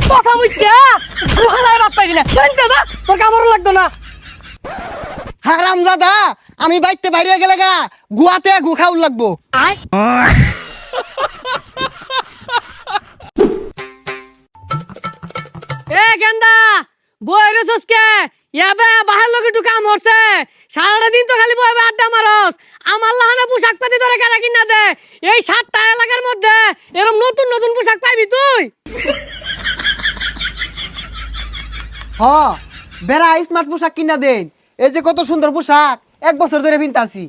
কথা মুইতা গুহালায় বাপ পাইলি না শুনতে যা তোর কামড় লাগতো না হারামজাদা আমি বাইতে বাইরে গেলে গা গুয়াতে গু খাউল লাগবো আয় এ গেন্দা বইরে সসকে ইয়াবে বাহার লোকে একটু কাম হচ্ছে সারাটা দিন তো খালি বইবে আড্ডা মারস আমার লাহানে পোশাক পাতি ধরে কেনা কিনা দে এই 7টা এলাকার মধ্যে এরকম নতুন নতুন পোশাক পাইবি তুই হ বেড়া স্মার্ট পোশাক কিনা দেন এই যে কত সুন্দর পোশাক 1 বছর ধরে পিনতাছি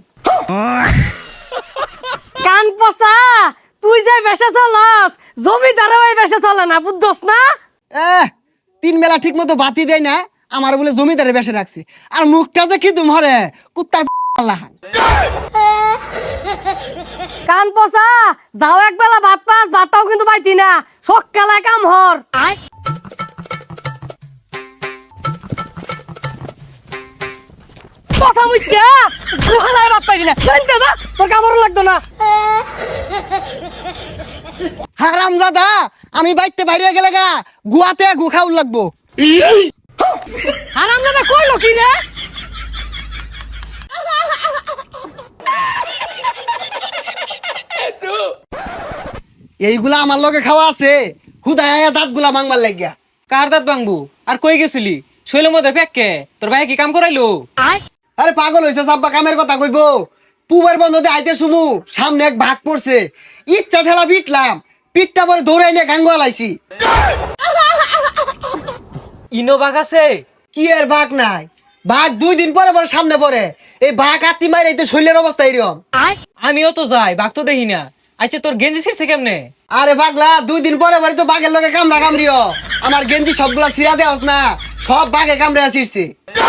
কান পচা তুই যে বেশে চলস জমিদারও এই বেশে চলে না বুঝছস না 3 বেলা ঠিক মতো বাতি দেয় না আমার বলে জমিদারে বেশে রাখছে আর মুখটা যে কি তুমরে কুত্তার লাহান কান পচা যাও একবেলা ভাত পাস ভাতটাও কিন্তু পাইতি না সকালে কাম হর আয় পচা মুইতা গুহালায় ভাত পাইতি না শুনতে যা তোর কামড় লাগতো না হারামজাদা আমি বাইতে বাইরে গেলে গা গুয়াতে গু খাউল লাগবো হারামজাদা কইলো কি রে এইগুলা আমার লগে খাওয়া আছে খুদায় দাঁত গুলা মাংবার লাগিয়া কার দাঁত ভাঙবো আর কই গেছিলি শৈলের মধ্যে ফেককে তোর ভাই কি কাম করাইলো আয় আরে পাগল হইছে সাব্বা কামের কথা কইবো পুবের বন্ধতে আইতে শুমু সামনে এক ভাগ পড়ছে ইচ্ছা ঠেলা পিটলাম পিটটা পরে দৌড়াই নিয়ে গাঙ্গ আলাইছি ইনো বাঘ আছে কি এর ভাগ নাই ভাগ 2 দিন পরে পরে সামনে পড়ে এই ভাগ আত্মি মাইরে এটা শৈলের অবস্থা এরকম আয় আমিও তো যাই বাঘ তো দেখি না আচ্ছা তোর গেঞ্জি ছিড়ছে কেমনে আরে পাগলা 2 দিন পরে পরে তো বাঘের লগে কামড়া কামড়িও আমার গেঞ্জি সবগুলা ছিড়া দেওয়াস না সব বাঘে কামড়ে আসিরছে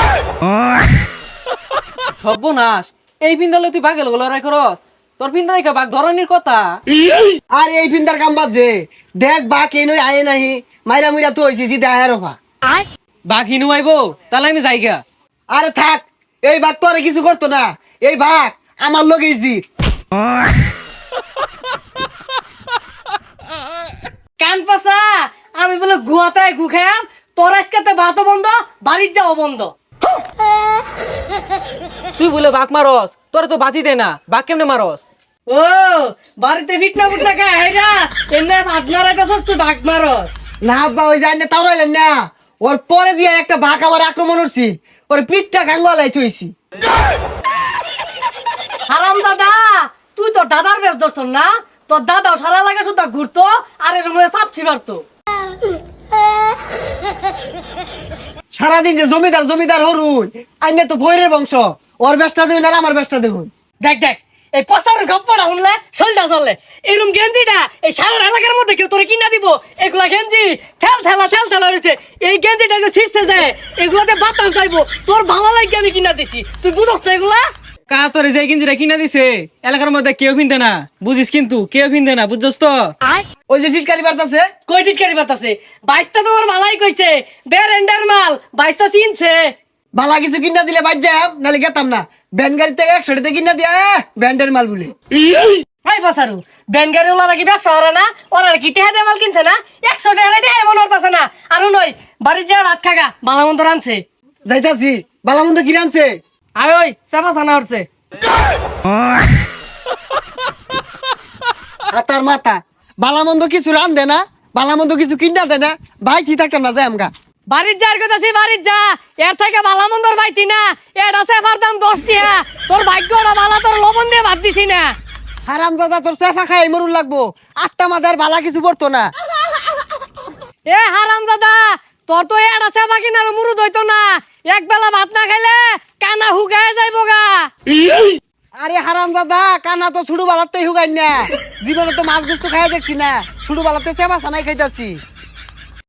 সর্বনাশ এই পিন্দালে তুই বাঘের লড়াই করস তোর পিন্দা দেখা বাঘ ধরনের কথা আর এই ফিন্দার কাম বাজে দেখ বাঘ এই নই আয়ে নাহি মাইরা মুইরা তো হইছি জিদা আয়ের অফা আয় বাঘ হিনু আইবো তাহলে আমি যাইগা আরে থাক এই বাঘ তো আর কিছু করতো না এই বাঘ আমার লগেই জিত কান পচা আমি বলে গুয়াতে গু খাম তোর আজকে ভাতও বন্ধ বাড়ির যাও বন্ধ তুই বলে বাঘ মারস তোর তো বাতি দে না বাঘ কেমনে মারস ও বাড়িতে ফিটনা ফুটনা খায় হেরা এমনি ভাত মারাইতেছস তুই ভাগ মারস না আব্বা ওই যায় না তাও রইলেন না ওর পরে দিয়ে একটা বাঘ আমার আক্রমণ করছি ওর পিঠটা গাঙ্গলাই থইছি হারাম দাদা তুই তোর দাদার বেশ ধরছ না তোর দাদাও সারা লাগে শুধু ঘুরতো আর এর মধ্যে চাপছি মারতো সারাদিন যে জমিদার জমিদার হরুন আইনে তো ভৈরের বংশ ওর বেশটা দেখুন আর আমার বেশটা দেখুন দেখ দেখ এই পচার গপ্পটা শুনলে শৈলটা চললে এরকম গেঞ্জিটা এই সারা এলাকার মধ্যে কেউ তোরে কিনা দিব এগুলা গেঞ্জি ঠেল ঠেলা রয়েছে এই গেঞ্জিটা যে ছিঁড়ছে যায় এগুলাতে বাতাস যাইবো তোর ভালো লাগে আমি কিনা দিছি তুই বুঝস না এগুলা কা তোর যে গেঞ্জিটা কিনা দিছে এলাকার মধ্যে কেউ পিনতে না বুঝিস কিন্তু কেউ পিনতে না বুঝছস তো আয় ওই যে টিটকারি বার্তাছে কই টিটকারি বাতাসে বাইশটা তোমার মালাই কইছে বেরেন্ডার মাল বাইশটা চিনছে বালা কিছু কিনা দিলে বাদ যাম নালে গেতাম না ব্যান গাড়ি থেকে 100 টাকা কিনা দিয়া ব্যান্ডের মাল বলে হাই বাসারু ব্যানগাড়ি ওলা কি ব্যবসা ওরা না ওরা কি টেহা দিয়ে মাল কিনছে না 100 টাকা দিয়ে এমন হতাছে না আরো নয় বাড়ির যা ভাত খাগা বালামন্ত রানছে যাইতাছি বালামন্দ কি রানছে আয় ওই চাপা চানা হচ্ছে হাতার মাথা বালামন্দ কিছু রান দে না বালামন্দ কিছু কিনা দে না ভাই কি থাকতাম না যাই আমগা বাড়ির যার কথা সে বাড়ির যা এর থেকে বালামন্দর পাইতি না এর আছে আমার দাম 10 টাকা তোর ভাগ্যটা বালা তোর লবণ দিয়ে ভাত দিছি না হারাম দাদা তোর সেফা খাই মরুন লাগবো 8টা মাদার বালা কিছু পড়তো না এ হারাম দাদা তোর তো এর আছে বাকি না মুরুদ হইতো না এক বেলা ভাত না খাইলে কানা হুগায় যাইবো গা আরে হারাম দাদা কানা তো ছুড়ু বালাতে হুগাই না জীবনে তো মাছ গুস্ত খাই দেখছি না ছুড়ু বালাতে সেবা সানাই খাইতাছি